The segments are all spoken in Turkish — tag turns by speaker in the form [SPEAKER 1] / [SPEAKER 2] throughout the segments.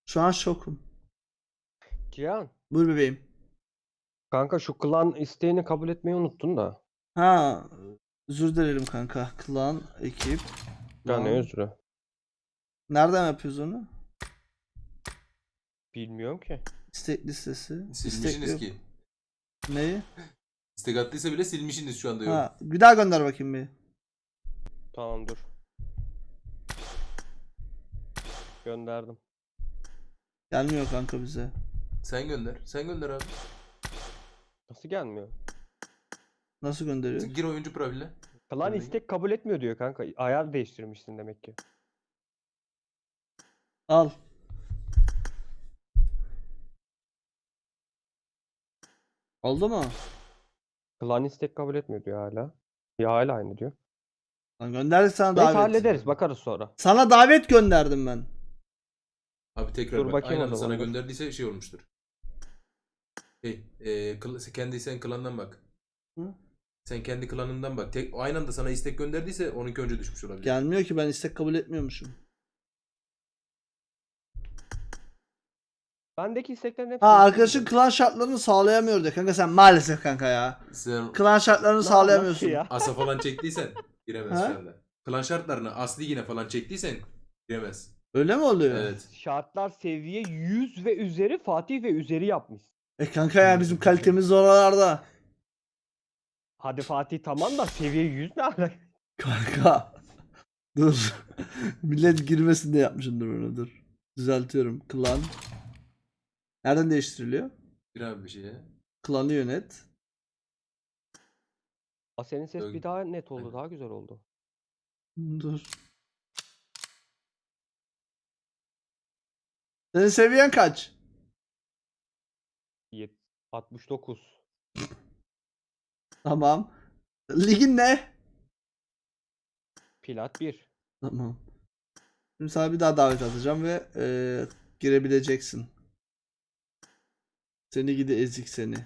[SPEAKER 1] Şu an şokum.
[SPEAKER 2] Cihan,
[SPEAKER 1] Buyur bebeğim.
[SPEAKER 2] kanka şu klan isteğini kabul etmeyi unuttun da.
[SPEAKER 1] Ha, özür dilerim kanka. Klan, ekip.
[SPEAKER 2] Ya ne
[SPEAKER 1] Klan.
[SPEAKER 2] özrü?
[SPEAKER 1] Nereden yapıyoruz onu?
[SPEAKER 2] Bilmiyorum ki.
[SPEAKER 1] İstek listesi. İstek
[SPEAKER 3] Silmişsiniz
[SPEAKER 1] yok.
[SPEAKER 3] ki.
[SPEAKER 1] Neyi?
[SPEAKER 3] İstek attıysa bile silmişsiniz şu anda yok.
[SPEAKER 1] Ha, bir daha gönder bakayım bir.
[SPEAKER 2] Tamam dur. Gönderdim.
[SPEAKER 1] Gelmiyor kanka bize.
[SPEAKER 3] Sen gönder. Sen gönder abi.
[SPEAKER 2] Nasıl gelmiyor?
[SPEAKER 1] Nasıl gönderiyor?
[SPEAKER 3] Gir oyuncu profiline.
[SPEAKER 2] Klan
[SPEAKER 3] Gönder.
[SPEAKER 2] istek kabul etmiyor diyor kanka. Ayar değiştirmişsin demek ki.
[SPEAKER 1] Al. Oldu mu?
[SPEAKER 2] Klan istek kabul etmiyor diyor hala. Ya hala aynı diyor.
[SPEAKER 1] Lan gönderdik sana
[SPEAKER 2] Neyse
[SPEAKER 1] davet.
[SPEAKER 2] hallederiz bakarız sonra.
[SPEAKER 1] Sana davet gönderdim ben.
[SPEAKER 3] Abi tekrar
[SPEAKER 2] Dur
[SPEAKER 3] bak.
[SPEAKER 2] bakayım
[SPEAKER 3] Aynı
[SPEAKER 2] o
[SPEAKER 3] anda
[SPEAKER 2] zaman,
[SPEAKER 3] sana
[SPEAKER 2] dur.
[SPEAKER 3] gönderdiyse şey olmuştur. Kendi sen klandan bak.
[SPEAKER 1] Hı?
[SPEAKER 3] Sen kendi klanından bak. Aynı anda sana istek gönderdiyse onunki önce düşmüş olabilir.
[SPEAKER 1] Gelmiyor ki, ben istek kabul etmiyormuşum.
[SPEAKER 2] Bendeki isteklerin hepsi.
[SPEAKER 1] Ha, arkadaşın klan şartlarını sağlayamıyor diyor kanka, sen maalesef kanka ya.
[SPEAKER 3] Sen
[SPEAKER 1] Klan şartlarını sağlayamıyorsun.
[SPEAKER 2] ya?
[SPEAKER 3] asa falan çektiysen giremez
[SPEAKER 1] Ha?
[SPEAKER 3] şu anda. Klan şartlarını aslı yine falan çektiysen giremez.
[SPEAKER 1] Öyle mi oluyor?
[SPEAKER 3] Evet.
[SPEAKER 2] Şartlar seviye 100 ve üzeri, Fatih ve üzeri yapmış.
[SPEAKER 1] Kanka ya, bizim kalitemiz oralarda.
[SPEAKER 2] Hadi Fatih tamam da seviye 100 ne alaka?
[SPEAKER 1] Kanka. Dur. Millet girmesin diye yapmışımdır onu, dur. Düzeltiyorum. Klan. Nereden değiştiriliyor?
[SPEAKER 3] Gir abi bir şeye.
[SPEAKER 1] Klanı yönet.
[SPEAKER 2] Aa, senin ses
[SPEAKER 3] Yok.
[SPEAKER 2] bir daha net oldu,
[SPEAKER 3] Aynen.
[SPEAKER 2] daha güzel oldu.
[SPEAKER 1] Dur. Senin seviyen kaç?
[SPEAKER 2] 69.
[SPEAKER 1] Tamam. Ligin ne?
[SPEAKER 2] Plat 1.
[SPEAKER 1] Tamam. Şimdi sana bir daha davet atacağım ve girebileceksin. Seni gidi ezik seni.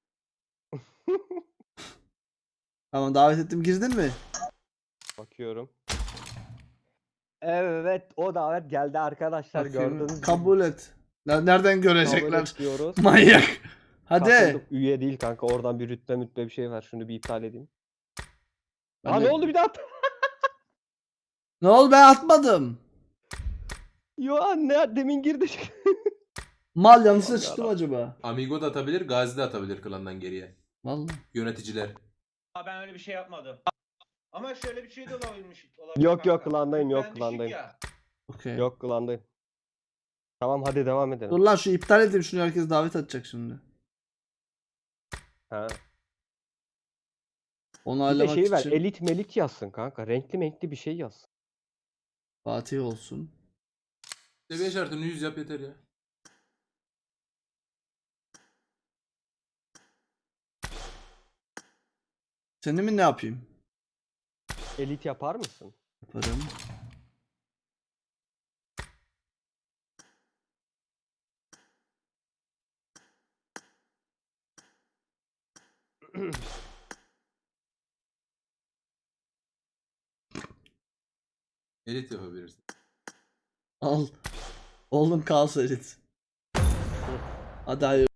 [SPEAKER 1] Tamam, davet ettim, girdin mi?
[SPEAKER 2] Bakıyorum. Evet, o davet geldi arkadaşlar,
[SPEAKER 1] Bakayım.
[SPEAKER 2] gördüğünüz gibi.
[SPEAKER 1] Kabul et. Nereden
[SPEAKER 2] Kabul
[SPEAKER 1] görecekler?
[SPEAKER 2] et diyoruz.
[SPEAKER 1] Manyak. Hadi.
[SPEAKER 2] Katıldık. Üye değil kanka, oradan bir rütbe bir şey ver, şunu bir iptal edeyim.
[SPEAKER 1] Ben
[SPEAKER 2] Aa
[SPEAKER 1] de-
[SPEAKER 2] ne oldu bir daha?
[SPEAKER 1] Ne oldu, ben atmadım.
[SPEAKER 2] Yo anne demin girdi.
[SPEAKER 1] Mal, yanlışlıkla
[SPEAKER 2] Allah'ım
[SPEAKER 1] çıktım
[SPEAKER 2] yarabbim.
[SPEAKER 1] acaba.
[SPEAKER 3] Amigo da atabilir, Gazi de atabilir klandan geriye.
[SPEAKER 1] Vallahi.
[SPEAKER 3] Yöneticiler.
[SPEAKER 4] Ben öyle bir şey yapmadım. Ama şöyle bir şey de olabilir.
[SPEAKER 2] Yok, yok,
[SPEAKER 4] kanka.
[SPEAKER 2] klandayım, yok,
[SPEAKER 4] Ben düşük
[SPEAKER 2] klandayım.
[SPEAKER 4] ya.
[SPEAKER 1] Okey.
[SPEAKER 2] Yok klandayım. Tamam hadi devam edelim.
[SPEAKER 1] Dur lan, şu iptal edeyim şunu, herkes davet atacak şimdi.
[SPEAKER 2] Ha.
[SPEAKER 1] Onu
[SPEAKER 2] Bir de
[SPEAKER 1] ayarlamak
[SPEAKER 2] şey ver,
[SPEAKER 1] için
[SPEAKER 2] elit melit yazsın kanka. Renkli menkli bir şey yaz.
[SPEAKER 1] Fatih olsun.
[SPEAKER 3] Seviye şartını 100 yap yeter ya.
[SPEAKER 1] Seni mi ne yapayım?
[SPEAKER 2] Elit yapar mısın?
[SPEAKER 1] Yaparım.
[SPEAKER 3] Elit yapabilirsin.
[SPEAKER 1] Al. Oğlum kalsın edit. Hadi hayır.